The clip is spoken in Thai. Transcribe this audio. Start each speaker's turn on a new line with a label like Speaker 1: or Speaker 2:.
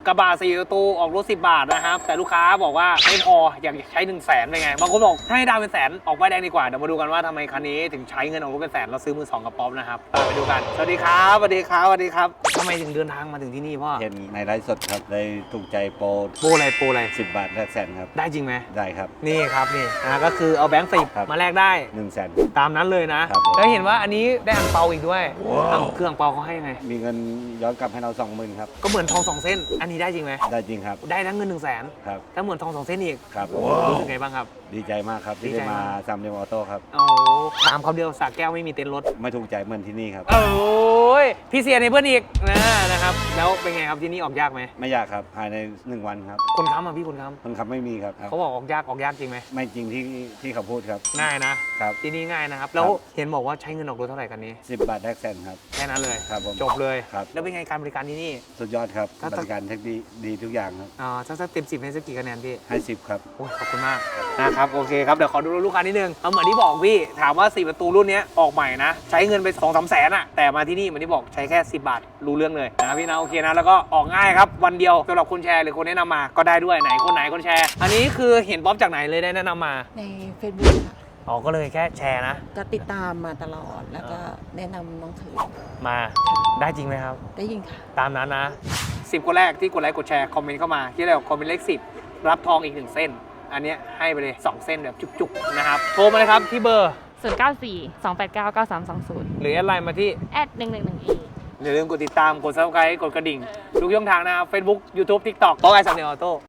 Speaker 1: กระบะ4ประตูออกรถ10 บาทนะครับแต่ลูกค้าบอกว่าไม่พออยากใช้100,000เป็นไงบางคนบอกให้ดาวเป็นแสนออกป้ายแดงดีกว่าเดี๋ยวมาดูกันว่าทำไมคันนี้ถึงใช้เงินออกรถเป็นแสนเราซื้อมือ2กับป๊อปนะครับไปดูกันสวัสดีครับสวัสดีครับสวัสดีครับทำไมถึงเดินทางมาถึงที่นี่พ่อ
Speaker 2: เห็นในไลฟ์สดครับเลยถูกใจโปร
Speaker 1: อะไร
Speaker 2: 10 บาทแลกแสนครับ
Speaker 1: ได้จริงไหม
Speaker 2: ได้ครับ
Speaker 1: นี่ครับนี่ก็คือเอาแบงค์10มาแลกได้
Speaker 2: 100,000
Speaker 1: ตามนั้นเลยนะแล้วเห็นว่าอันนี้ได้อังเปาอีกด้วยเครื่องอังเปาเขาให้ไง
Speaker 2: มีเงินย้อนกลับให้เรา 20,000ครับ
Speaker 1: ก็เหมือนทอง2 เส้นอันนี้ได้จริงไหม
Speaker 2: ได้จริงครับ
Speaker 1: ได้ทั้งเงิน100,000
Speaker 2: ครับ
Speaker 1: ถ้าเหมือนทอง2 เส้นอีก
Speaker 2: ครับ
Speaker 1: รู้สึกไงบ้างครับ
Speaker 2: ดีใจมากครับที่ได้มาซามเดมออโต้ครับ
Speaker 1: โอ้ถามคำเดียวสระแก้วไม่มีเต็นท์รถ
Speaker 2: ไม่ถูกใจเหมือนที่นี่ครับ
Speaker 1: โอ้ยพี่เสียในเพื่อนอีกนะครับแล้วเป็นไงครับที่นี่ออกยากไหม
Speaker 2: ไม่ยากครับภายใน1 วันครับ
Speaker 1: คนค้ำอ่ะพี่คนค้
Speaker 2: ำไม่มีครับ
Speaker 1: เขาบอกออกยากจริงไหม
Speaker 2: ไม่จริงที่เขาพูดครับ
Speaker 1: ง่ายนะครับที่นี่ง่ายนะครับแล้วเห็นบอกว่าใช้เงินออกรถเท่าไหร่กันนี้
Speaker 2: 10 บาทแลกแสนครับ
Speaker 1: แค่นั้นเลย
Speaker 2: ครับผม
Speaker 1: จบเลย
Speaker 2: ครับ
Speaker 1: แล้วเป็นไงการบริการที่นี่
Speaker 2: สุดยอดครับบริการเทคดีทุกอย่างครับ
Speaker 1: ถ้าเต็ม10ให้สักกี่คะแนนพี่
Speaker 2: ให้10ครับ
Speaker 1: โอ้ขอบคุณมากนะครับโอเคครับเดี๋ยวขอดูลูกค้านิดนึงเหมือนที่บอกพี่ถามว่า4ประตูรุ่นนี้ออกใหม่นะใช้เงินไป 2-3 แสนอะแต่มาที่นี่เหมือนที่บอกใช้แค่10 บาทรู้เรื่องเลยนะพี่นะโอเคนะแล้วก็ออกง่ายครับวันเดียวสำหรับคนแชร์หรือคนแนะนำมาก็ได้ด้วยไหนคนแชร์อันนี้คือเห็นป๊อปจากไหนเลยได้แนะนำมา
Speaker 3: ใน Facebook ค่ะ
Speaker 1: ก็เลยแค่แชร์นะ
Speaker 3: ก็ติดตามมาตลอดแล้วก็แนะนำน้องถือ
Speaker 1: มาได้จริงไหมครับ
Speaker 3: ได้ยิงค่ะ
Speaker 1: ตามนั้นนะ10 คนแรกที่กดไลค์กดแชร์คอมเมนต์เข้ามาที่เราคอมเมนต์เลข10รับทองอีก1 เส้นอันนี้ให้ไปเลย2 เส้นแบบจุกๆนะครับโทรมาเลยครับที่เบอร์
Speaker 4: 094-289-9320
Speaker 1: หรือแอดไลน์มาที่
Speaker 4: @111e
Speaker 1: อย่าลืมกดติดตามกด Subscribe กดกระดิ่งทุกช่องทางนะครับ Facebook YouTube TikTok ต้องไอซัมเนลออโต้